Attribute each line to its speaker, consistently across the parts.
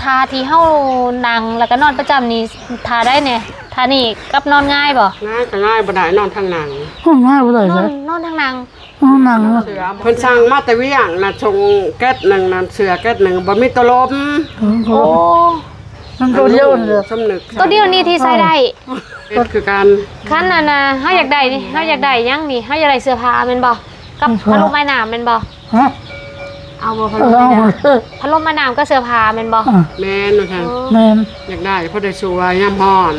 Speaker 1: าที่เฮานั่งแล้วก็นอนประจำนี่ทาได้เนี่ยทานี่กับนอนง่ายบ่
Speaker 2: ง่ายก็ง่ายบ่ได้นอนทางหนัง
Speaker 3: ง่ายบ่ได้เลย
Speaker 1: นอนทางนั่ง
Speaker 2: เพิ่นสั่งมาแต่เวียงน่ะชงแก๊สนึงน่ะเสือแก๊สนึงบ่มีตะลม
Speaker 1: โอ้
Speaker 3: มันตัวเดียวนี่
Speaker 2: สำนึก
Speaker 1: ตัวเดียวนี่ที่ใส่ได้
Speaker 2: ก็คือการ
Speaker 1: คันน่ะนะเฮาอยากได้นี่เฮาอยากได้ยังนี่เฮาอยากได้เสื้อผ้าแม่นบ่กับพัดลมไม้น้ำแม่นบ่
Speaker 3: ฮะ
Speaker 1: เอาบ่พัดลมไม้น้ำพัดลมไม้น้ำก็เสื้อผ้าแม่นบ่
Speaker 2: แม่นว่าซั่น
Speaker 3: แม่น
Speaker 2: อยากได้เพราะได้สวยยามร้อน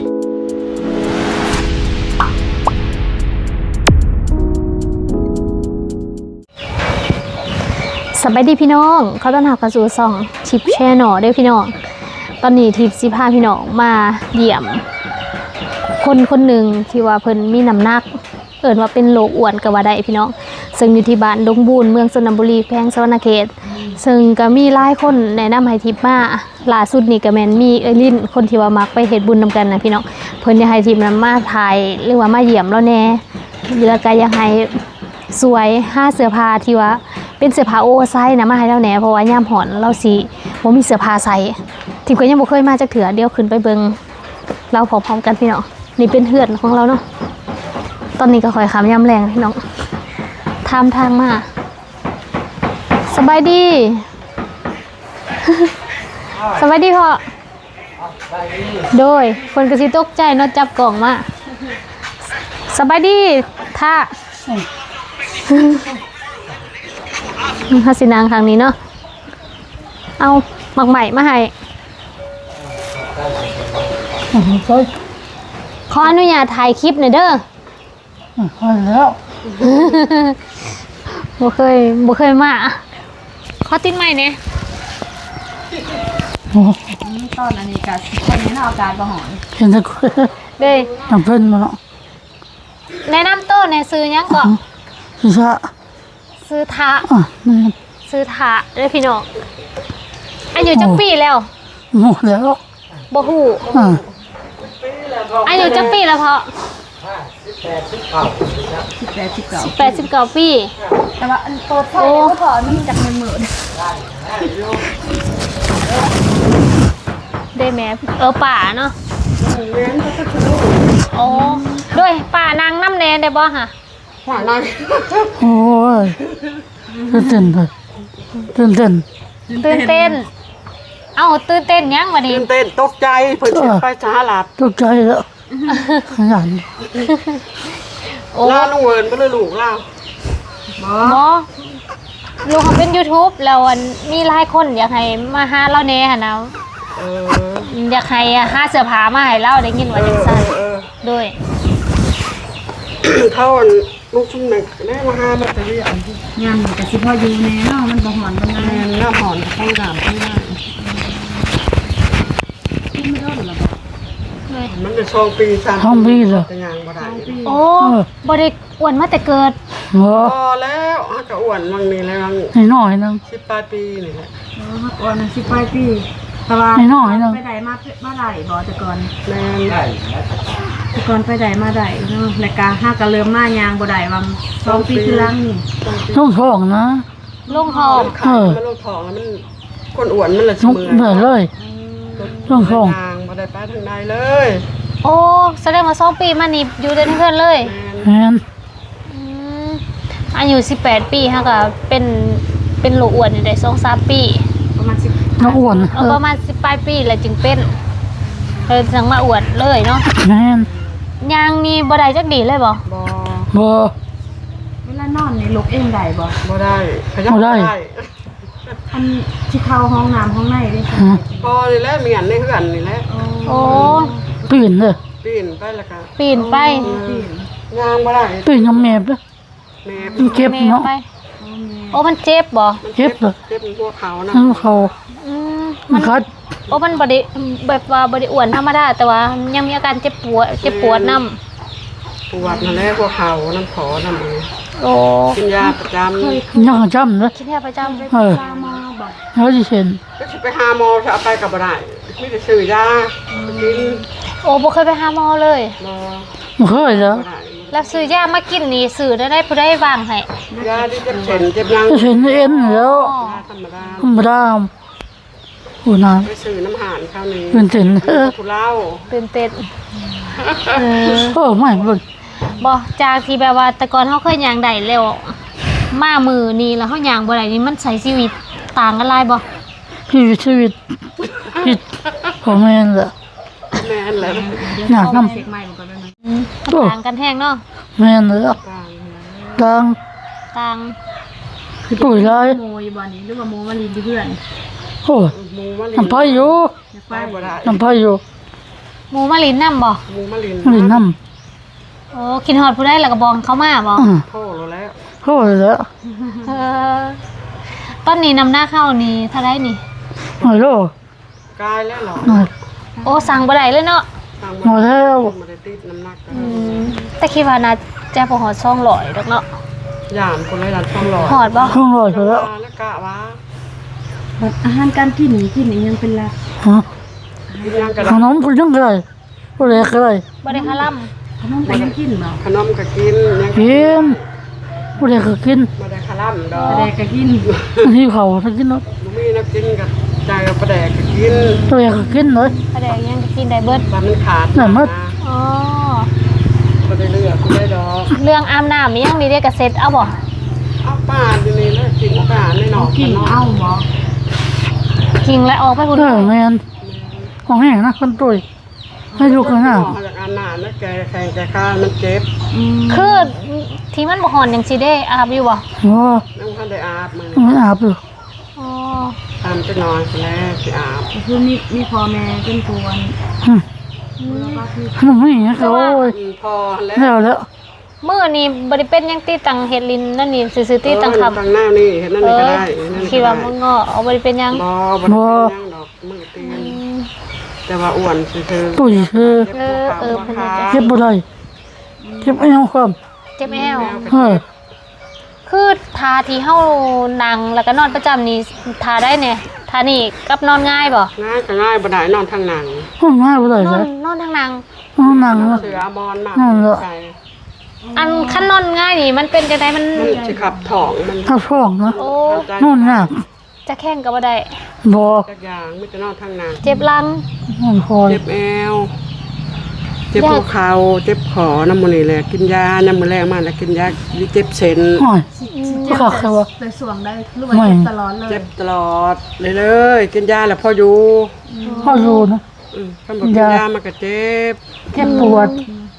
Speaker 1: สบายดีพี่น้องเขาต้อนรับกระสู่ซองทิปแช่หน่อด้วยพี่น้องตอนนี้ทิปสิพาพี่น้องมาเยี่ยมคนหนึ่งที่ว่าเพิ่นมีน้ำหนักเอิ้นว่าเป็นโรคอ้วนก็ว่าได้พี่น้องซึ่งอยู่ที่บ้านดงบูนเมืองชลบุรีแขวงสะหวรรณเขตซึ่งก็มีหลายคนแนะนำให้ทิปมาล่าสุดนี่ก็แม่นมีลิ้นคนที่ว่ามักไปเฮ็ดบุญนำกันนะพี่น้องเพิ่นอยากให้ทิปนั้นมาถ่ายหรือว่ามาเยี่ยมแล้วแน่แล้วก็อยากให้สวย5เสื้อผ้าที่ว่าเป็นเสื้อผ้าโอเวอร์ไซส์นะมาให้เราแหน่เพราะว่ายามหอนเราสิบ่มีเสื้อผ้าใส่ทิพย์ก็ยังบ่เคยมาจักเถื่อเดี๋ยวขึ้นไปเบิ่งเราพร้อมๆกันพี่น้องนี่เป็นเฮือนของเราเนาะตอนนี้ก็ค่อยขามยามแรงพี่น้องทางมาสบายดี สบายดีพ่อโดยคนก็สิตกใจเนาะจับกล่องมาสบายดีท่าฮัสินางครั้งนี้เนาะเอาหมักใหม่มาให้ขออนุญาตถ่ายคลิปหน่อยเด้อ
Speaker 3: แล้ว
Speaker 1: บ่เคยมาขอติดใหม่เนี่ย
Speaker 4: ตอนอันนี้กับคนนี้เอาการประหาร
Speaker 3: เห็นแต่
Speaker 1: เด้
Speaker 3: ทำเพิ่นมาเนาะ
Speaker 1: แนะนำตัวในซื้อยังก่อนซื้อทะซื้อทะเด้อพี่น้องอายุจักปีแล้ว
Speaker 3: หมดแล้ว
Speaker 1: บ่ฮู้อายุจักปีแล้วเพาะ18-19 ปี
Speaker 4: แต่ว่าอันโตไทยก็พอมันจาก10,000
Speaker 1: ได้แม่ป่าเนาะโอ้ด้วยป่านางน้ำแนนได้บ่ฮะ
Speaker 2: ป่านาง
Speaker 3: โอ้ยตื่นเลยตื่นเต้น
Speaker 1: เอ้าตื่นเต้นยังวะนี่
Speaker 2: ตื่นเต้นตกใจเพิ่นสิไปสหรัฐ
Speaker 3: ตกใจแล้วขยัน
Speaker 2: ลาลุงเวิร์นบ่เลยลูกลา
Speaker 1: บ่ลูกเขาเป็น YouTube แล้วมีหลายคนอยากให้มาหาเราแน่หั่นนะอยากให้หาเสื้อผ้ามาให้เราได้ยินว่าจังซั่นด้วย
Speaker 2: เขาลูกชุ่มหนึ่งได้มาหามาแต่ที่
Speaker 4: งานกับสิพ่ออยู่แน่เนาะมันบ่หอนบ่งาน
Speaker 2: หน้าหอนข้างดามข้างหน้ามันจะ2 ปี3 ปี
Speaker 3: แล้ว
Speaker 2: แต่ยังบ่ได้
Speaker 1: โอ้บ่ได้อ้วนมาแต่เกิด
Speaker 2: พอแล้วก็อ้วนวังนี้แล้ว
Speaker 3: น้อยนึง
Speaker 2: 10 ปลายปีนี่แหละ
Speaker 4: อ้วน10 ปลายปีแต่ว่า
Speaker 3: น้อยนึง
Speaker 4: ไปได้มาได้บ่แต่ก่อน
Speaker 2: แม่น
Speaker 4: แต่ก่อนไปได้มาได้เนาะแล้วก็5ก็เริ่มมายางบ่ได้วัง2 ปีคือหลังนี่
Speaker 3: ลงท้องนะ
Speaker 1: ลงท้อง
Speaker 2: มันลงท้องแล้วมันคนอ้วนมันละเสมอ
Speaker 3: เหมือนเลยลงท้อง
Speaker 2: บ่ได้ไปทางใดเลย
Speaker 1: โอ้แสดงว่า2 ปีมานี่อยู่ในเพื่อนเลย
Speaker 3: แม่น
Speaker 1: อายุ18 ปีฮะก็เป็นโรคอ้วนอยู่ได้ 2-3 ปี
Speaker 4: ประมาณ10
Speaker 3: น้องอ้วน
Speaker 1: ประมาณ10 ปลายปีแล้วจึงเป็นสั่งมาอ้วนเลยเนาะ
Speaker 3: แม่น
Speaker 1: ยางนี่บ่ได้จักดีเลยบ่
Speaker 4: เวลานอนนี่ลุกเองได้
Speaker 2: บ่ได้ขยับได้
Speaker 4: อันที่เข้าห้องน้ำห้องในได้ใช่
Speaker 2: พอนี่แหละเมียนในเฮือนนี่แหละ
Speaker 1: โอ้
Speaker 3: ปีนเลย
Speaker 2: ปีนไปแล้วก็
Speaker 1: ปีนไป
Speaker 2: ยางบ่ได้
Speaker 3: ปีนยังแมบเลยมันเจ็บเนาะ
Speaker 1: โอ้มันเจ็บบ่
Speaker 3: เจ็บเลย
Speaker 2: เจ็บหัวเขานะ
Speaker 3: เขามันคัด
Speaker 1: โอ้มันบ่ได้แบบว่าบ่ได้อ้วนธรรมดาแต่ว่ายังมีอาการเจ็บปวดน
Speaker 2: ำปวดนั่นแหละหัวเขาน้ำขอน้ำ
Speaker 1: โอ้
Speaker 2: กินยาประจำ
Speaker 3: ยาประจำนะ
Speaker 1: กินยาประจำ
Speaker 3: ไปหาหมอบ่เขาจะเห็น
Speaker 2: ก็สิไปหาหมอจะเอาไปกับบ่ได้มีแต่ซื้อยากิน
Speaker 1: โอ้บ่เคยไปหาหมอเลย
Speaker 3: บ่เคยแล้ว
Speaker 1: แล้วซื้อยามากินนี่ซื้อได้ผู้ใดวางให้
Speaker 2: ยาที่เจ็บเส้นเจ็บยัง
Speaker 3: เห็นเอ็นแล้วธรรมดาผู้น้
Speaker 2: ไปซื้อน้ำหานข้าวนี้
Speaker 3: ำเป็นเต็น
Speaker 2: ผู้เล่า
Speaker 1: ตื่นเต้นเออ
Speaker 3: โอ้ไม่เบิ่ง
Speaker 1: บ่จากที่แบบว่าแต่ก่อนเฮาเคยย่างได้แล้วมามือนี้แล้วเฮาย่างบ่ได้นี่มันใช้ชีวิตต่างกันหลายบ่
Speaker 3: ชีวิตผิดของแม่นแหละ
Speaker 2: แม่นแล้ว
Speaker 3: อยากนำ
Speaker 4: เช็คใหม่ก่อนได้ไหม
Speaker 1: ต่างกันแฮงเนาะ
Speaker 3: แม่นเลย
Speaker 2: กลาง
Speaker 3: ดัง
Speaker 1: ต่าง
Speaker 3: ปุ๋ยลาย
Speaker 4: โมอยู่บ่นี้หรือว่าโมมาลินที่เพื่อน
Speaker 3: โอ้ย
Speaker 2: หมูมะลิน
Speaker 3: น้ำพายอยู่
Speaker 4: อยาก
Speaker 2: ไป
Speaker 4: ไป
Speaker 2: บ่ได้
Speaker 3: น้ำพายอยู่
Speaker 1: หมูมาลินนำบ่
Speaker 2: หมูมะลิน
Speaker 3: นี่น้
Speaker 1: โอ้คิดฮอดผู้ใดแล้วก็บอกเขามาบ่
Speaker 2: โทษแล้ว
Speaker 3: โอ้ยแล้ว
Speaker 1: เออตอนนี้นำหน้าเข้านี่เท่าไรนี่
Speaker 3: โอ้ยโล
Speaker 2: กายแล้วเหรอ
Speaker 3: โอ้ย
Speaker 1: โอ้สั่งบ่ได้เลยเนาะ
Speaker 2: สั่ง
Speaker 3: หมดแล้ว
Speaker 2: มาได้ติดน้ำหนักกัน
Speaker 1: แต่คิดว่าน่าจะบ่ฮอด200ดอกเนาะ
Speaker 2: ย่ามคนละดันช่องหลอด
Speaker 1: ฮอดบ่
Speaker 3: ห้องลอยไปแล้ว
Speaker 2: แล้วกะว่า
Speaker 4: บัดอาหารการกินนี่กินนี่ยังเป็นหลัก
Speaker 3: ฮะ
Speaker 2: กินยังกระ
Speaker 3: ขนมผู้ยังไงผู้เล็กอะไร
Speaker 1: บ่ได้คาล่ํ
Speaker 4: ขนมก็ยังกินบ่
Speaker 2: ขนมก็กินยัง
Speaker 3: กินผู้เล็กก็กิน
Speaker 2: มาได้คาร่ำดอ
Speaker 4: แด
Speaker 2: ก
Speaker 4: กก็กิน
Speaker 3: ที่เขาถ้ากินเนาะ
Speaker 2: บ่มีนักกินกับใจกับประแดกก็กิน
Speaker 3: ตัวเล็กก็กินเลย
Speaker 1: ก็ได้ยังก็กินได้เบิด
Speaker 2: ว่ามันขาด
Speaker 3: น่ะมัด
Speaker 1: อ๋อ
Speaker 2: บ่ได้เลือกกูได้ดอก
Speaker 1: เรื่องอาบน้ำมียังมีได้ก็เซ็ตเอาบ่
Speaker 2: เอาป้าอยู่นี่แล้วกินป้าในหนอก
Speaker 4: กินเอ้าบ่
Speaker 1: กิงและออกไปพุ่น
Speaker 3: แม่นของแห้งนะคนตุยให้ลูกกันหน้า
Speaker 2: มาจากอาหารแล้วแกแข่งแกข้ามันเจ็บ
Speaker 1: คือที่มันบ่ฮ้อนจังซี่เด้อาบอยู่บ่
Speaker 3: โอ้
Speaker 2: น้องท่านได้อาบมัน
Speaker 3: ไม่อาบอยู่
Speaker 1: อ๋อ
Speaker 2: ตามจะนอนแล้วสิอาบ
Speaker 4: ก็คือมีพ่อแม่เป็นกวน
Speaker 3: อืม
Speaker 4: แล้วก็คือ
Speaker 3: ขนมนี่เขาโอ้ย
Speaker 2: พอแล้ว
Speaker 3: แล้ว
Speaker 1: มื้อนี้บ่ได้เป็นหยังติตังเฮ็ดลินนั่นนี่ซื่อๆติตังคำ
Speaker 2: ตั้งหน้านี่เห็นนั่นนี่ก็ได้นั่น
Speaker 1: คิดว่ามันก็เอาบ่ได้เป็นหยัง
Speaker 2: บ่บ่ได้ยังดอกมือตีนแต่ว่าอ้วนซื่อ
Speaker 3: ตุยคือ
Speaker 2: เพิ่นจะ
Speaker 3: เก็บบ่ได้เก็บไม่เอาความ
Speaker 1: เจ็บแอว
Speaker 3: เออ
Speaker 1: คือทาที่เฮานั่งแล้วก็นอนประจำนี่ทาได้เนี่ยทานี่กับนอนง่ายบ่
Speaker 2: ง่ายก็ง่ายบ่ได้นอนทางหนัง
Speaker 3: ห้องน้าบ่ได้
Speaker 1: น
Speaker 3: เล
Speaker 1: อน
Speaker 3: ย
Speaker 1: นอนทางนั่ง
Speaker 3: ห้องนั่ง
Speaker 2: เสือบอลมากใส่
Speaker 1: อันคันนอนง่ายนี่มันเป็นจังไดมัน
Speaker 2: มันสิขับถ่องมัน
Speaker 3: ถ้าฟ้องนะ
Speaker 1: โอ้
Speaker 3: นอนหนัก
Speaker 1: จะแข้งก็บ่ได้
Speaker 3: บ่
Speaker 2: จักอย่างไม่จะนอนทางหนัง
Speaker 1: เจ็บหลัง
Speaker 3: นอนคอย
Speaker 2: เจ็บแอวเจ็บหัวเข่าเจ็บขอน้ำมันนี่แหละกินยาน้ำมันแรงมากแล้วกินยาเจ็บเส้น
Speaker 3: โอ้ย
Speaker 4: เจ็บ
Speaker 3: ขาดใครวะ
Speaker 4: แต่สวงได้หรือว่าเจ็บตลอดเลย
Speaker 2: เจ็บตลอดเลยกินยาแล้วพออยู่
Speaker 3: พ่อรู้นะ
Speaker 2: ท่านบอกกินยามันก็เจ็บ
Speaker 3: เจ็บปวด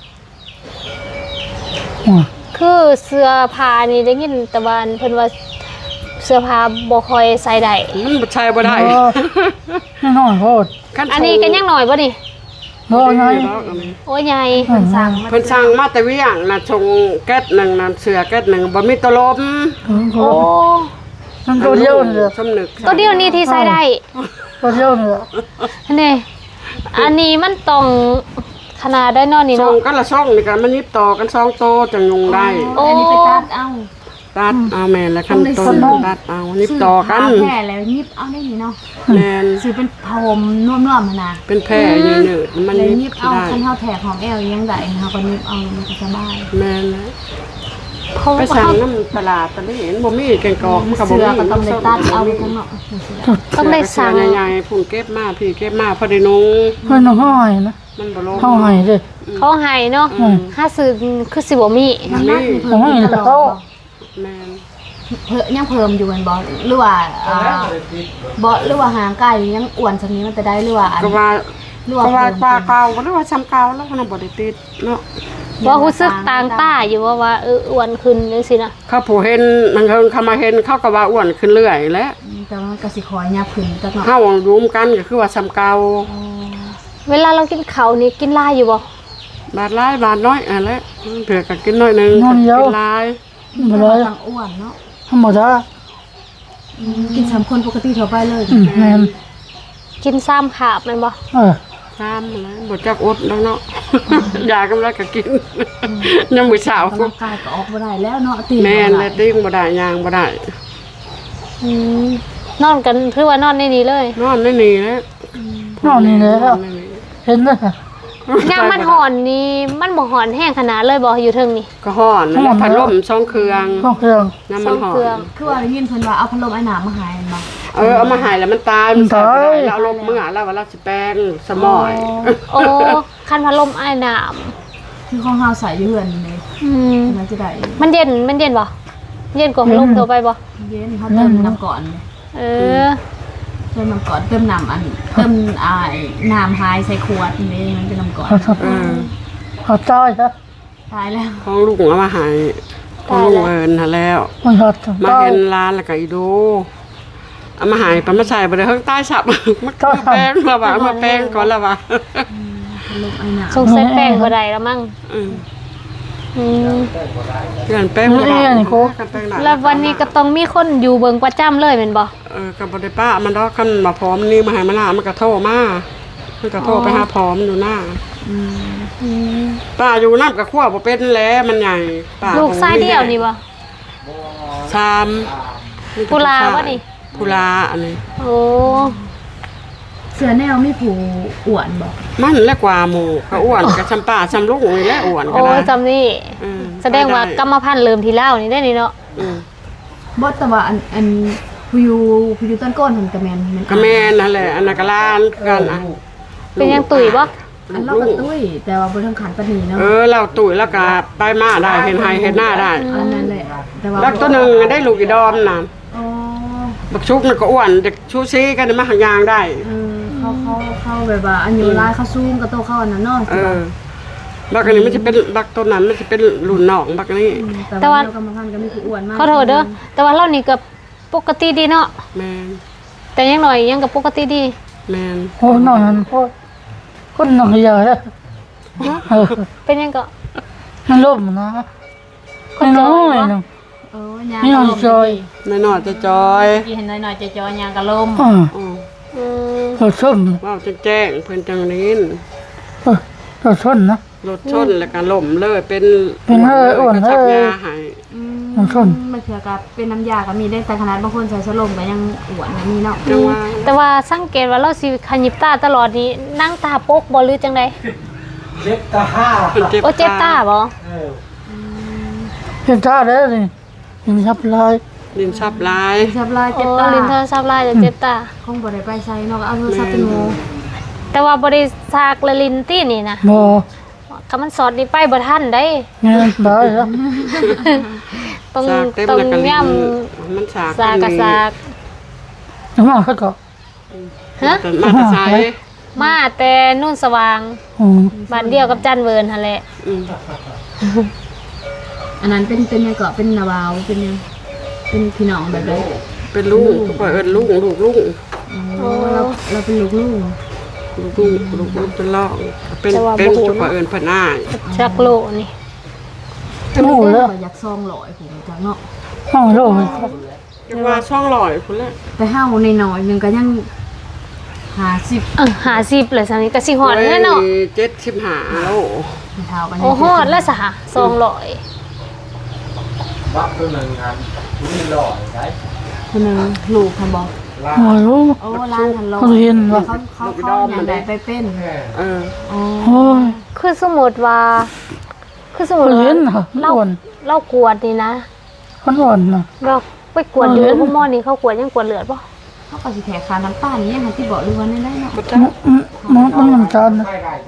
Speaker 3: โอ้ย
Speaker 1: คือเสื้อผ้านี่ได้ยินแต่ว่าเพิ่นว่าเสื้อผ้าบ่ค่อยใส่ได้
Speaker 2: มันบ่ใช่บ่ได้
Speaker 3: ไม่นอนโคตร
Speaker 1: อันนี้ก็ยังน้อยบ่นี่
Speaker 3: บ่ไง
Speaker 1: โอ้ยใหญ่
Speaker 4: สั่ง
Speaker 2: เพิ่นสั่งมาแต่เวียงน่ะชงแก๊สหนึ่งน่ะเสือแก๊สหนึ่งบ่มีตะลม
Speaker 1: โอ้
Speaker 3: มันตัวเดียวเลย
Speaker 2: สำนึก
Speaker 1: ตัวเดียวนี้ที่ใส่ได้
Speaker 3: ตัวเดียวเลย
Speaker 1: นี่อันนี้มันต้องขนาดได้เนอนนี่
Speaker 2: ช
Speaker 1: เนาะ
Speaker 2: งกันละช่องนี่กันมันยิบต่อกัน2โตจังยุงได้
Speaker 1: โอ้
Speaker 4: อันนี้ไปตัดเอา
Speaker 2: ตัดเอาแม่นแล้วขั้นต้นตัดเอายิบต่อกัน
Speaker 4: แผลแล้วยิบเอาได้นี่เนาะ
Speaker 2: แม่น
Speaker 4: ซื้อเป็นพรมนุ่มๆมานะ
Speaker 2: เป็นแผลยืนหนืดมัน
Speaker 4: แล้ว
Speaker 2: ยิ
Speaker 4: ยิ
Speaker 2: บบ
Speaker 4: เอา
Speaker 2: ได้
Speaker 4: คันเฮาแถกของแอลยังได้เฮาก็ยิบเอามันก็สบาย
Speaker 2: แม่นแล้ว
Speaker 1: เพราะ
Speaker 2: ไป
Speaker 1: ว่า
Speaker 2: สั่งน้ำตลาดตะลี่เห็นบ่มีแกงกอกมันก็บ่
Speaker 4: เสื้อ
Speaker 2: มี
Speaker 4: ก็ต้องได้ตัดเอาข้างนอก
Speaker 1: ต้องได้สั่ง
Speaker 2: ใหญ่ๆพุ่นเก็บมาพี่เก็บมาพอได้นุ่ง
Speaker 3: เพื่อนห้อยนะ
Speaker 2: มันบ่ลง
Speaker 3: ห้อยเลย
Speaker 1: เขาให้เนาะถ้าซื้อคือสิบ่มี
Speaker 4: น้ำหนักนี่เพิ่มตลอด
Speaker 2: แม่น
Speaker 4: ยังเพิ่มอยู่แม่นบ่หรือว่าบ่หรือว่าหางไก่ยังอ้วนสักนี้มันจะได้หรือว่า
Speaker 2: ก็ว่า
Speaker 4: หรือ
Speaker 2: ก็
Speaker 4: ว่า
Speaker 2: ว่า
Speaker 4: เพิ่ม
Speaker 2: ปลาเก่าหรือว่าซ้ำเก่าแล้วมันบ่ได้ติดเนาะ
Speaker 1: ว่ารู้สึกต่างตาอยู่ว่าอ้วนขึ้นจังซี่นะ
Speaker 2: เขาผู้เห็นมันเขามาเห็นเขาก็ว่าอ้วนขึ้นเรื่อยแหล้ว
Speaker 4: แต่ว่ามันก็สิคอยยับขึ้นจักหน่อย
Speaker 2: เฮารุมกันก็คือว่าซ้ำเก่า
Speaker 1: เวลาเรากินข้าวนี่กินหลายอยู่บ่
Speaker 2: บาทหลายบาทน้อยอันแหละเผื่อก็กินน้อยหนึงกินหลาย
Speaker 3: มาเลย
Speaker 4: ต้องอ้วนเนาะ
Speaker 3: ธรรมดา
Speaker 4: กิน3คนปกติทั่วไปเลย
Speaker 3: แม่น
Speaker 1: กิน3ขาบแม่นบ่
Speaker 2: ซ้ำแล้วบ่จักอดแล้วเนาะ ยากำลังก็กินยังมื้อเช้า
Speaker 4: ร่างกายก็ออกบ่ได้แล้วเนาะตี
Speaker 2: แม่นและดิ้งบ่ได้ย่างบ่ได้
Speaker 1: อืมนอนกันคือว่านอนในนี้เลย
Speaker 2: นอนได้นี่แหละ
Speaker 3: นอนนี่แล้ว
Speaker 2: นอนนี่
Speaker 3: เห็นเลย
Speaker 1: ยามมันห่อนนี่มันบ่ห่อนแห้งขนาดเลยบ่อยู่เทิงนี่
Speaker 2: ก็ฮ้อนแล้วพัดลม2เครื่อง
Speaker 3: ห้องเครื่อง
Speaker 2: น้ำมันหอ
Speaker 1: เครื่อง
Speaker 2: ม
Speaker 4: คือว่าได้ยินเพิ่นว่าเอาพัดลมไอ้น้ำมาให้บ่
Speaker 2: เเอามาใหายแล้วมันตายมันใส่บ่ได้แล้วเอาลบเมื่อแล้วว่าเราสิแปลงสมอย
Speaker 1: โอ้คันพัดลมไอ้น้
Speaker 4: คือของเฮาใส่อยู่เฮือนนี่
Speaker 1: ำอืม
Speaker 4: มันจะได้
Speaker 1: มันเย็นบ่เย็นกว่าพัดลมตัวไปบ่
Speaker 4: เย็นเฮาเติมน้ำก่อนเลย
Speaker 1: เออ
Speaker 4: เติมน้ำก่อนเติมน้ำเติมน้ำหายใส่ขวดนี่มันเป็นน้ำก่อน
Speaker 3: เขาตายซะ
Speaker 4: ตายแล้ว
Speaker 2: ของลุงเอามาใหายของลุงเอิญหาแล้ว
Speaker 3: มันหัด
Speaker 2: มา
Speaker 3: ตาย
Speaker 2: เห็นร้านแล้วก็อีดูเอามาใหายปมาใส่บ่ได้เฮิงใต้ฉับมันก็แป้งและว่าเอามาแป้งก่อนและว่า
Speaker 4: ลมไอ้หนาว
Speaker 1: สงสัยแป้งบ่ได้แล้วมั้ง
Speaker 2: อืม
Speaker 1: อืม
Speaker 2: เพื่อนแป้ง
Speaker 3: นี่นี่โค
Speaker 2: กันแป้งหนา
Speaker 1: แล้ววันนี้ก็ต้องมีคนอยู่เบิ่งประจำเลยแม่นบ่
Speaker 2: กับบริป้ามันดอกกันมาพร้อมนี่มาให้มันหน้ามันก็โทรมามันก็โทรไปหาพร้อมอยู่หน้า
Speaker 1: อืม
Speaker 2: ป้าอยู่น้ำกับขั้วบ่เป็นแล้วมันใหญ่ป้า
Speaker 1: ลูกชายเดียวนี่บ่
Speaker 2: ชาม
Speaker 1: กุลาบ่นี่
Speaker 2: กุลาอันนี้
Speaker 1: โอ้
Speaker 4: เสือแนวมีผูอ้วนบอก
Speaker 2: มันและกว่าหมู่ก็อ้วนกับชำป้าชำลูกนี่แหละอ้วนก็
Speaker 1: โอ้
Speaker 2: ได้
Speaker 1: จำนี่
Speaker 2: อืม
Speaker 1: แสดงว่ากรรมพันธุ์เริ่มที่แล้วนี่ได้นี่เนาะ
Speaker 2: อืม
Speaker 4: บอสแต่ว่าอันผู้อยู่ต้นก้นหันกระแมน
Speaker 2: ก็แม่นนั่นแหละอันนั้นก็ล้านกันอ่ะ
Speaker 1: เป็นยังตุ๋ยบ่
Speaker 4: อันเรากับตุ้ยแต่ว่าบนทางขันปนีเนาะ
Speaker 2: เราตุ๋ยแล้วก็ไปมาได้เห็นไฮเห็นหน้าได้
Speaker 4: อันนั้นแหละแต่ว่า
Speaker 2: แล้วตัวหนึงได้ลูกอีดอมน่ะ
Speaker 4: อ๋อ
Speaker 2: บักชุกน่ะก็อ้วนเด็กชูซีกันมาหางยางได้
Speaker 4: เขาแบบว่าอันอยู่ร้ายเขาซูมกับโตเข้าอันนั้นเนาะ
Speaker 2: บักอันนี้มันจะเป็นบักต้นนั้นมันจะเป็นหลุนหนองบักนี้
Speaker 4: แต่ว่าเรากรรมพันธุ์ก็มีผู้อ้วนมาก
Speaker 1: ขอโทษเด้อแต่ว่าเรานี่ก็ปกติดีเนาะ
Speaker 2: แมน
Speaker 1: แต่ยังหน่อยยังก็ปกติดี
Speaker 2: แมน
Speaker 3: โอ้นอนนั้นโคตรคนหนักใหญ่แล้วเออ
Speaker 1: เป็นยังก็
Speaker 3: มันล่มนะคนน้อยนึง
Speaker 4: เออยาง
Speaker 3: นี่นอนจอย
Speaker 2: ไม่นอนจะจอย
Speaker 4: กี่เห็นหน่อยๆจะจอยยางกระลม
Speaker 3: อ่า
Speaker 2: อ๋อ
Speaker 1: อืม
Speaker 3: เราส้ม
Speaker 2: ว่าวแจ้งเพิ่นจังนี้
Speaker 3: เราส้นนะ
Speaker 2: รถชนแล้วก็ล่มเลยเป็น
Speaker 3: เป็นเอ้ยอ้วน
Speaker 2: กระชัก
Speaker 3: เอ้ย
Speaker 2: ยาหาย
Speaker 3: มันส้น
Speaker 4: มันเถื่อกับเป็นน้ำยาก็มีได้แต่ขนาดบางคนใส่สลมก็ยังอ้วนอย่างนี้เนาะ
Speaker 2: จังว่า
Speaker 1: แต่ว่าสังเกตว่าเราสิขยิบตาตลอดนี้นั่งตาปกบ่หรือจังได๋
Speaker 2: เพิ่นเจ็บ
Speaker 1: โอ้เจ็บตาบ่
Speaker 3: เห็นท่าแล้วนี่ยังทับลาย
Speaker 2: ดินชับลาย
Speaker 4: ชับลาย
Speaker 1: โอ้
Speaker 4: เจ็บตา
Speaker 1: ลิ้นโทรศัพท์ลายจะเจ็บตา
Speaker 4: คงบ่ได้ไปใส่เนาะเอาโทรศัพท์เป็นโม
Speaker 1: แต่ว่าบ่ได้ซากละลิ้นตี้นี่นะ
Speaker 3: บ่
Speaker 1: ก็มันสอดนี่ไปบ่ทันได้
Speaker 3: เงี้ยได้แล้ว
Speaker 1: ต้อง
Speaker 2: สากเต็ม
Speaker 1: ต้อง
Speaker 2: แล้วก็ลิ้
Speaker 1: ย่ํ
Speaker 2: นมันสาก
Speaker 1: ซากกับซาก
Speaker 3: น้ำมันเขาก็
Speaker 1: ฮะ
Speaker 2: แต่มาแต่ใช้
Speaker 1: มาแต่นู่นสว่าง
Speaker 3: อืม
Speaker 1: บ้านเดียวกับจันเวิร์นหั่นแหละ
Speaker 2: อืม
Speaker 4: อันนั้นเป็นยังก็เป็นนาวาวเป็นยังเป็นพี่น้องแบบใด
Speaker 2: เป็นลูกก็เอิ้นลูกลูก
Speaker 4: โอ้เราเป็นลูก
Speaker 2: เป็นล่องเป็นจุกเอิ้นเพิ่นอ้าย
Speaker 1: ชักโลนี่
Speaker 4: เป็นลูกแล้วอยากซองหลอยผมจังเนาะ
Speaker 3: ห้องโลก
Speaker 2: จังว่าช่องลอยพุ่นแหละ
Speaker 4: ไปห้าวในหน่อยนึงก็ยัง50
Speaker 1: 50เลยซั่นนี่ก็สิฮอดแน่เนาะ
Speaker 2: 75โล
Speaker 4: เท้ากัน
Speaker 1: โอ้ฮอดแล้วซะ200
Speaker 4: คนนึงลูกคันบอก
Speaker 3: โอ้รู้
Speaker 4: โอ้ร้านทันลอย
Speaker 3: เขาเห็นว่า
Speaker 4: เขาอย่างใดไปเป็น
Speaker 2: เออ
Speaker 4: อ๋อ
Speaker 3: โอ้ย
Speaker 1: คือสมมุติว่าคือสมมุ
Speaker 3: เขา
Speaker 1: ติ
Speaker 3: เห็
Speaker 1: ว่าน
Speaker 3: เหรอ
Speaker 1: เรา
Speaker 3: อ้วน
Speaker 1: เรากวดนี่นะ
Speaker 3: คนอ่อนนะ
Speaker 1: เราไปกวดอยู่
Speaker 3: เห็น
Speaker 1: พวกหม้อนี่เขากวดยังกวดเลือดบ่
Speaker 4: เขาก็สิแถคาน้ำตาลนี่ยังที่บอกเลยว่าได้เนาะ
Speaker 3: มันน้ำตาลนะ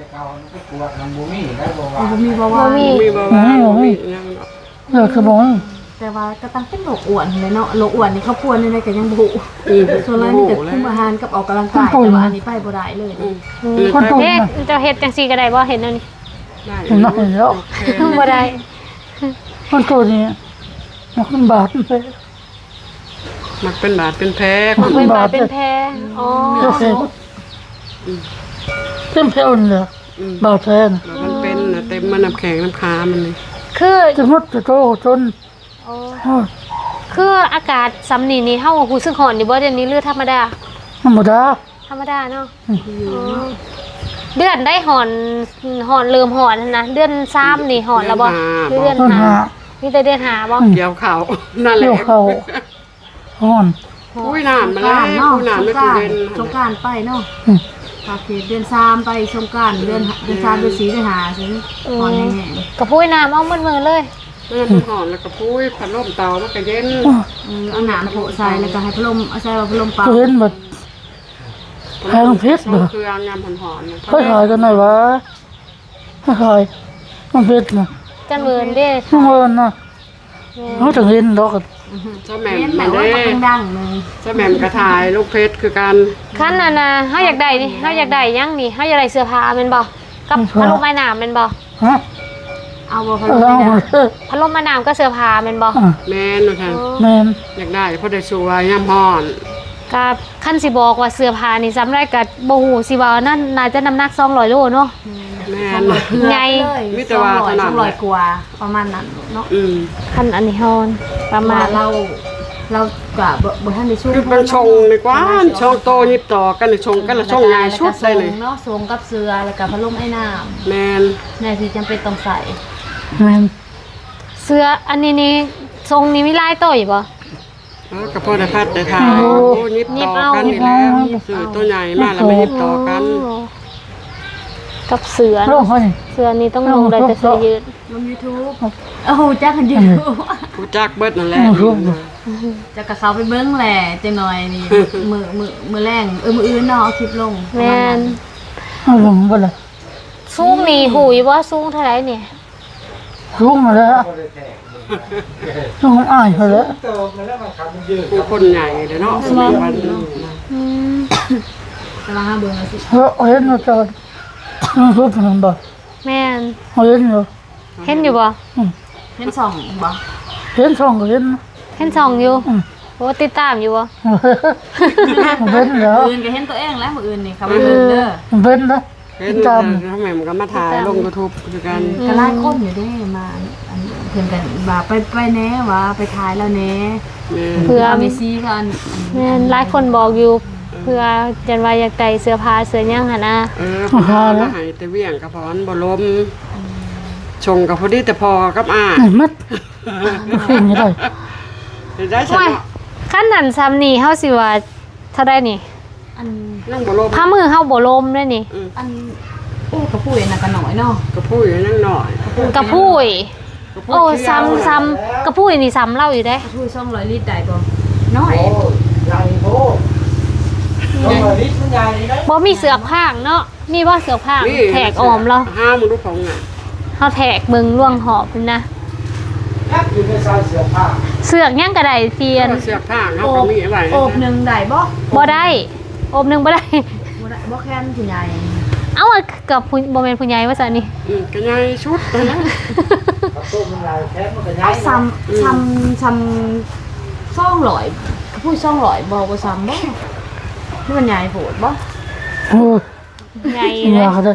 Speaker 4: ผมมีบ่
Speaker 1: บ่
Speaker 4: ว่า
Speaker 1: มี
Speaker 2: มีบ่ว่ามียัง
Speaker 3: อยากจะบอก
Speaker 4: แต่ว่าก็ตั้งเป็นโรคอ้วนเลยเนาะโรคอ้วนนี่เขาพวนในก็ยังบุ
Speaker 2: อืม
Speaker 4: ส่วนอะไรมีแต่คุมอาหารกับออกกำลังกายแต่ว่าอันนี้ไปบ่ได้เลย
Speaker 3: คนตุ่ม
Speaker 1: เฮ็ด
Speaker 3: นะ
Speaker 1: เจะเฮ็ดจังซี่ก็ได้บ่เห็นแล้วนี่
Speaker 2: ได้
Speaker 3: เห็นไหมแล้ว
Speaker 1: บ่ได้
Speaker 3: คนตัวนี้มันบาดไป
Speaker 2: มันเป็นบาดเป็นแผล
Speaker 1: มันเป็นบาดเป็นแผลอ๋อ
Speaker 3: เต็มเพลนเลยบาดแทน
Speaker 2: มันเป็นน่ะเต็มมันน้ำแข็งน้ำค้ามันนี่
Speaker 1: คือ
Speaker 3: จะมดจะโตจน
Speaker 1: คืออากาศซ้ำนี่เฮารู้สึกร้อนนี่บ่เดี๋ยวนี้หรือธรรมดา
Speaker 3: ธรรมดา
Speaker 1: ธรรมดาเนาะเดือนได้หอนเริ่มหอนแล้วนะเดือน3นี่หอนแล้วบ่หรือเดือน
Speaker 3: ต้นหา
Speaker 1: 5มีแต่เดือน5บ่
Speaker 2: เกี่ยวเข่านั่นแห
Speaker 3: เลี้
Speaker 2: ละ
Speaker 3: ยวเขาห่อน
Speaker 2: อุ้ยน้ำมาแล้ว
Speaker 4: เนาะ
Speaker 2: อุ้ยน้ำไม่
Speaker 4: ส
Speaker 2: ถึ
Speaker 4: ง
Speaker 2: ง
Speaker 4: ก
Speaker 2: เดือน
Speaker 4: สงกรานต์ไปเนาะภาคเดือน3ไปสงกรานต์เดือน3เดือน4เดือน5สิพอแน่
Speaker 1: กระพุ้ยน้ำเอามือเลย
Speaker 4: ๆ
Speaker 2: แล้วมันหอนแล้วก็พุ้ยพัดลมเตามันก็เย็น
Speaker 4: เอาหนามโผล่ใส่แล้วก็ให้พัดลมเอาใส่พัดลมเป่า
Speaker 3: เห็นหมด แพงเพชรเหรอ
Speaker 2: เครื่องยำหอนๆนะ
Speaker 3: ค่อยขายกันหน่อยวะค่อยขายมันเพชรนะ
Speaker 1: จันเวินเด้
Speaker 3: ทุกคนนะเขาถึงเห็นดอก
Speaker 2: เจ้าแหม่ม
Speaker 4: เห็นแต่
Speaker 2: มา
Speaker 4: ว่า
Speaker 2: เด้
Speaker 4: มันดังๆนึง
Speaker 2: เจ้าแหม่มกระทายลูกเพชรคือกัน
Speaker 1: คันน่ะนะเฮาอยากได้นี่เฮาอยากได้ยังนี่เฮาอยากได้เสื้อผ้าแม่นบ่กับพัดลมไม้น้ำแม่นบ่
Speaker 3: ฮะ
Speaker 4: เอาบ่พัด
Speaker 3: เอา
Speaker 4: ลม
Speaker 3: เอา
Speaker 4: ไม่ได้
Speaker 1: พัดลมไม้น้ำก็เสื้อผ้าแม่นบ่
Speaker 2: แม่นว่าท่าน
Speaker 3: แมน
Speaker 2: อยากได้เพราะได้ชัวร์ยำหอน
Speaker 1: กับคันสิบอกว่าเสื้อผ้านี่ซ้ำได้ก็บ่ฮู้สิว่านั่นน่าจะน้ำหนัก200โลเนาะ
Speaker 2: แม่น
Speaker 4: เพื่อ
Speaker 1: ไง
Speaker 4: เลย
Speaker 2: มิตรว่าเท่านั้น
Speaker 4: 200กว่าประมาณนั้นเนาะ
Speaker 1: คันอันนี้ฮอนประมาณ
Speaker 4: เราก็บ่ทันได้ช่วย
Speaker 2: คือเป็นชงในกว่าชงโตยิบต่อกันชงกันละชงใหญ่ชุดได้เลย
Speaker 4: เนาะทรงกับเสื้อแล้วก็พัดลมไอ้น้
Speaker 2: แม่น
Speaker 4: ำในที่จำเป็นต้องใส่
Speaker 3: แมน
Speaker 1: เสื้ออันนี้นี่ทรงนี้มีลายต่อยบ่
Speaker 2: กระเพาะได้พัดได้ทายโอ้ยิบต่อกันนี่แล้วสื่อตัวใหญ่มากแล้วไม่ยิบต่อกัน
Speaker 1: กับเสือ
Speaker 3: โลกเขานี่
Speaker 1: เสือนี้ต้องลงได้แต่เสือยืด
Speaker 4: ลง YouTube โอ้โหจักกันอยู่
Speaker 2: ผู้จักเบิดนั่นแหละ
Speaker 4: จะกะเขาไปเบิ้งแหละจังหน่อยนี่ มือแรงมืออื่นเนาะเอาคลิปลง
Speaker 1: แม่น
Speaker 3: เอาลงไปเลย
Speaker 1: สูงนี่หูยว่าสูงเท่าไหร่เนี่ย
Speaker 3: ลุกมาแล้วลุกอ้ายเขาแล้ว
Speaker 2: ผู้คนใหญ่เลยเนาะสมัยวันนี้
Speaker 1: อืม
Speaker 4: จะมาหาเบิ้งเอาสิ
Speaker 3: เห็นมาจอดลุกมันบ่
Speaker 1: แม่น
Speaker 3: เห็นอยู่
Speaker 1: เห็นอยู่บ่
Speaker 4: เห็นสองบ่
Speaker 3: เห็นช่องก็เห็น
Speaker 1: เห็นส่องอยู่โอ้ติดตามอยู่บ่
Speaker 3: เห็นแล้ว
Speaker 4: มืออื่นก็เห็นตัวเองแล้วมืออื่นนี่เขาไปเบิ้งเด้อ
Speaker 3: เห็นนะ
Speaker 2: เห็น
Speaker 3: ตาม
Speaker 2: ทำไมมันก็มาถ่ายลงยูทูบคือกัน
Speaker 4: ก็ไล่คนอยู่เด้มาอันเพิ่นกันว่าไปแน่ว่าไปถ่ายแล้วแน่
Speaker 2: แม่น
Speaker 1: เพื่อ
Speaker 4: เมซี่กัน
Speaker 1: แม่นหลายคนบอกอยู่ เพื่อจันว่าอยากได้เสื้อผ้าเสื้อหยังหั่นนะ
Speaker 2: พอมาหายแต่เวี่ยงกับพรบ่ลมชงกับพอดีแต่พอกับอ้า
Speaker 3: ไหนมัดฟินยังไง
Speaker 2: ได้ฉัน
Speaker 1: โอ้ยคันนั้นซ้ำนี่เฮาสิว่าเท่าใดนี่
Speaker 4: อัน
Speaker 2: นั่งบ่ลม
Speaker 1: ผ้ามือเฮาบ่ลมเลยนี่
Speaker 4: อันโอ้กระปุ้ยน่ะกันหน่อยเนาะ
Speaker 2: ก็พูดอยู่นั่งหน่อย
Speaker 1: กระพุ้ยโอ้ซ้ำกระพุ้ยนี่ซ้ำเล่าอยู่เด้
Speaker 4: กระปุ้ย200ลิตรได้บ่น้อย
Speaker 1: บ่มีเสือกผางเนาะนี่ว่าเสือกผางแถกออมเรา
Speaker 2: ห้ามมึงดูของอ่ะ
Speaker 1: เฮาแถกเบิ่งล่วงหอบพุ่นนะเสือกยังก็ได้เทียน
Speaker 2: เสือกผ้าเขาก็มีไว้
Speaker 4: โอบหนึงได้บ่
Speaker 1: บ่ได้อบหนึงบ่ได้
Speaker 4: บ่ได้บ่แค่นผู้ใหญ่
Speaker 1: เอ้ากับผู้บ่แม่นผู้ใหญ่ว่าซั่นนี่
Speaker 2: ก็ใหญ่ชุดนะ
Speaker 4: เอาซ้ำ200กระปุ้ย200บ่บ่ซ้ำบ่นี่มันใหญ่โพดบ่
Speaker 3: โอ้ย
Speaker 1: ใหญ่
Speaker 3: อ
Speaker 1: เลย
Speaker 3: ยากเลย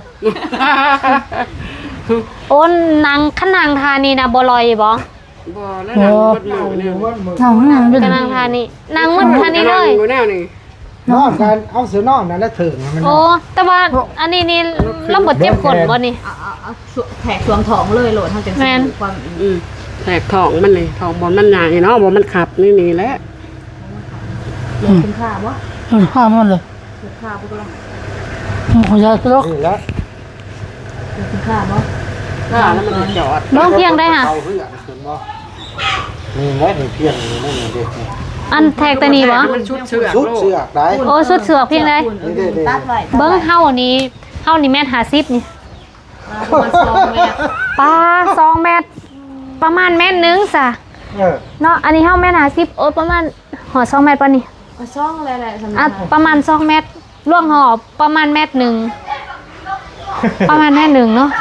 Speaker 1: โอ้นางขนางทานีนะบ่ลอยบ่
Speaker 2: บ่แล้วนั่งบดมือเนี่ย
Speaker 3: น้องนั่งเป็น
Speaker 1: กนางทานีนางมันทานีเลย
Speaker 2: อยู่แนวนี่
Speaker 5: นอนกันเอาเสือนอนนั่นแล้วถึงมัน
Speaker 1: โอ้แต่ว่าอันนี้นี่เราบ่เจ็บกดบ่นี่
Speaker 4: เอาแทกสวมท้องเลยโหลดเฮาจัง
Speaker 1: แม่น
Speaker 4: สิความ
Speaker 2: แตกท้องมันนี่ท้องบนมันใหญ่เนาะบ่มันขับนี่แหละ
Speaker 4: เรียนคุณค่าบ่
Speaker 3: ห้ามมันเลย
Speaker 4: คุณค่าบ่ก็ล่ะ
Speaker 3: เขาอยากจะลก
Speaker 5: นี่แล้ว
Speaker 4: เรียนคุณค่าบ่
Speaker 2: ถ้าแล้วมันจะจอด
Speaker 1: น้องเพียงได้ค่ะ
Speaker 5: เอาเพื่อนคุณบ่นี่แหละนี่เพียงนี่นั่นนี่เด็กนี่
Speaker 1: อันแทกตัวนี้บ่
Speaker 2: มันชุดเสือก
Speaker 5: ชุดเสือกได้
Speaker 1: โอ้สุดเสือกเพียงได้
Speaker 4: ตัดไว้
Speaker 1: เบิ่งเฮานี่แม่น50นี่
Speaker 4: ประมาณ2เมตร
Speaker 1: ปลา2เมตรประมาณเมตรนึงซะ
Speaker 5: เออ
Speaker 1: เนาะอันนี้เฮาแม่น50โอ้ประมาณหอ2เมตรป่ะนี่
Speaker 4: เอาช่องอะไรๆสำหรั
Speaker 1: อ่ะ
Speaker 4: บ
Speaker 1: ประมาณ2เมตรล่วงหอบประมาณเมตรหนึงประมาณเมตรหนึงเนาะ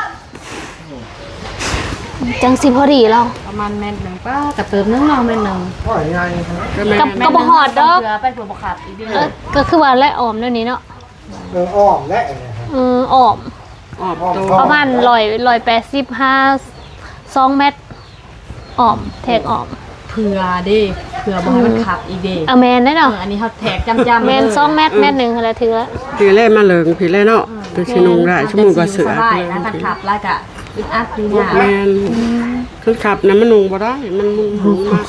Speaker 1: จังสิพอดีเรา
Speaker 4: ประมาณเมตรหนึงป้ากับเติมนึงเนาะเมตรหนึง
Speaker 5: พ่อยังไง
Speaker 1: กับบ่ฮอดดอก
Speaker 4: เพื่อไปเพื่อบ่ขาดอีกเด้
Speaker 1: เอ
Speaker 4: อ
Speaker 1: อก็คือว่าและออมเดี๋ยวนี้เนาะ
Speaker 5: อ้อมและเนี่ย
Speaker 1: ออม
Speaker 2: ออกตัว
Speaker 1: ประมาณ185 2เมตรออมแทกออม
Speaker 4: เพื่อเด้เพื่อบ่ให้มันขาดอีกเด้
Speaker 1: เอาแมนได้เนาะ
Speaker 4: อันนี้เฮาแทกจำๆ
Speaker 1: แมน2เมตรเมตรหนึงอะไรถือแล้ว
Speaker 2: พี่เล่มาเลิงพี่เล่เนาะเป็นชินุงได้ชั่วโมงกว่าเสือ
Speaker 4: สบายนะการขับแล้วก็อึดอัดดีนะ
Speaker 2: แม่นคือขับนะมันนุงบ่ได้มันมุงหูมาก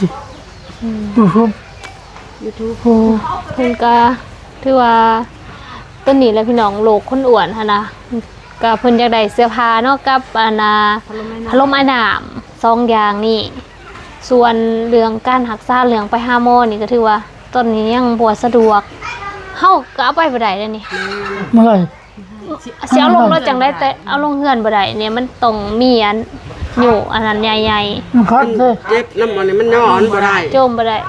Speaker 1: โอ้เพิ่นก็ถือว่าต้นนี้แหละพี่น้องโลกคนอ้วนหั่นนะก็เพิ่นอยากได้เสื้อผ้าเนาะกับอันน่ะพัดลมไอ้น้ำ 2อย่างนี่ส่วนเรื่องการรักษาเรื่องไปหาหมอนี่ก็ถือว่าตอนนี้ยังบ่สะดวกเฮาก็เอาไปบ่ได้แล้วนี่
Speaker 3: เมื่อไหร่
Speaker 1: สิเอาลงรถจังได้แต่เอาลงเฮือนบ่ได้เนี่ยมันต้องมีอันอยู่อันนั้นใหญ่
Speaker 3: มันคัดเลย
Speaker 2: เจ็บน้ำมันนี่มันนอนบ่ได้
Speaker 1: ๆโจมบ่ได้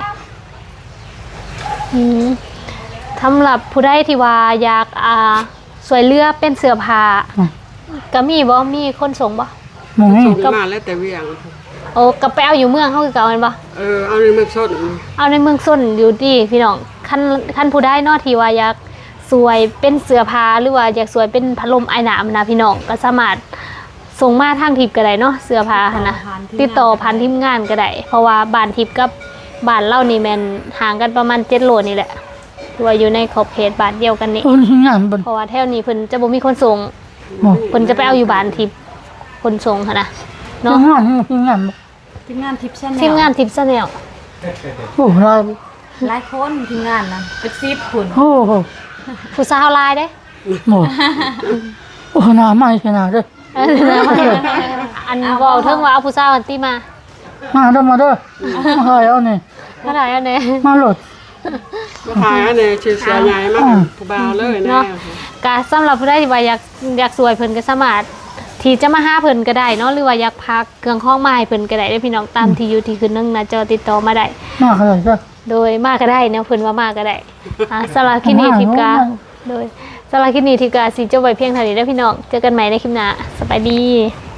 Speaker 1: สำหรับผู้ใดที่ว่าอยากสวยเลือเป็นเสื้อผ้าก็มีบ่มีคนส่งบ่
Speaker 3: มองนี่
Speaker 2: ส่งมาแล้วแต่เวียง
Speaker 1: โอ้ก็ไปเอาอยู่เมืองเฮาคือเก่าแม่นบ่
Speaker 2: เอาในเมืองสด
Speaker 1: เอาในเมืองส้นอยู่ดีพี่น้องคันผู้ใดเนาะที่ว่าอยากสวยเป็นเสื้อผ้าหรือว่าอยากสวยเป็นพัดลมไอ้น้ำนะพี่น้องก็สามารถส่งมาทางทิปก็ได้เนาะเสื้อผ้าหั่นนะติดต่อผ่านทีมงานก็ได้เพราะว่าบ้านทิปกับบ้านเล่านี่แม่นห่างกันประมาณ7 โลนี่แหละตัวอยู่ในขอบเขตบ้านเดียวกันนี่
Speaker 3: เออที่งานเป็น
Speaker 1: เพราะว่าแถวนี้เพิ่นจะบ่มีคนส่ง
Speaker 3: หมอ
Speaker 1: เพิ่นจะไปเอาอยู่บ้านทิปคนส่งหั่นนะ
Speaker 3: ที่
Speaker 1: เนาะ
Speaker 3: งานที่งาน
Speaker 4: ทีมงานทิปชั่น
Speaker 1: ทีมงานทิปซะแนว
Speaker 3: โอ้ไร
Speaker 4: หลายคนทีมงานนะเป็น10คน
Speaker 3: โอ้โห
Speaker 1: ผู้สาวหลายเด้
Speaker 3: หมอโอ้หน้าไม่ขนาดเลย
Speaker 1: อันเว้าเทิงว่าเอาผู้สาวอันติมา
Speaker 3: มาเด้อมาใครเอานี่
Speaker 1: เท่าไหร่อันนี้
Speaker 3: มาโหลด
Speaker 2: มาขายอันนี้ชื่อเสียใหญ่มากผู้บ่าวเลยนะ
Speaker 1: เนาะก็สำหรับผู้ใดที่ว่าอยากสวยเพิ่นก็สามารถที่จะมาหาเพิ่นก็ได้เนาะหรือว่าอยากพักเครื่องข้องมาให้เพิ่นก็ได้เด้อพี่น้องตามที่อยู่ที่ขึ้นนึงหน้าจอติดต่อมาได้
Speaker 3: มาใครก็
Speaker 1: โดยมาก็ได้เนาะเพิ่นว่ามาก็ได้สำหรับคลิปนี้ทิปกาโดยสำหรับคลิปนี้ทิปกาสิจบไว้เพียงเท่านี้เด้อพี่น้องเจอกันใหม่ในคลิปหน้าสบายดี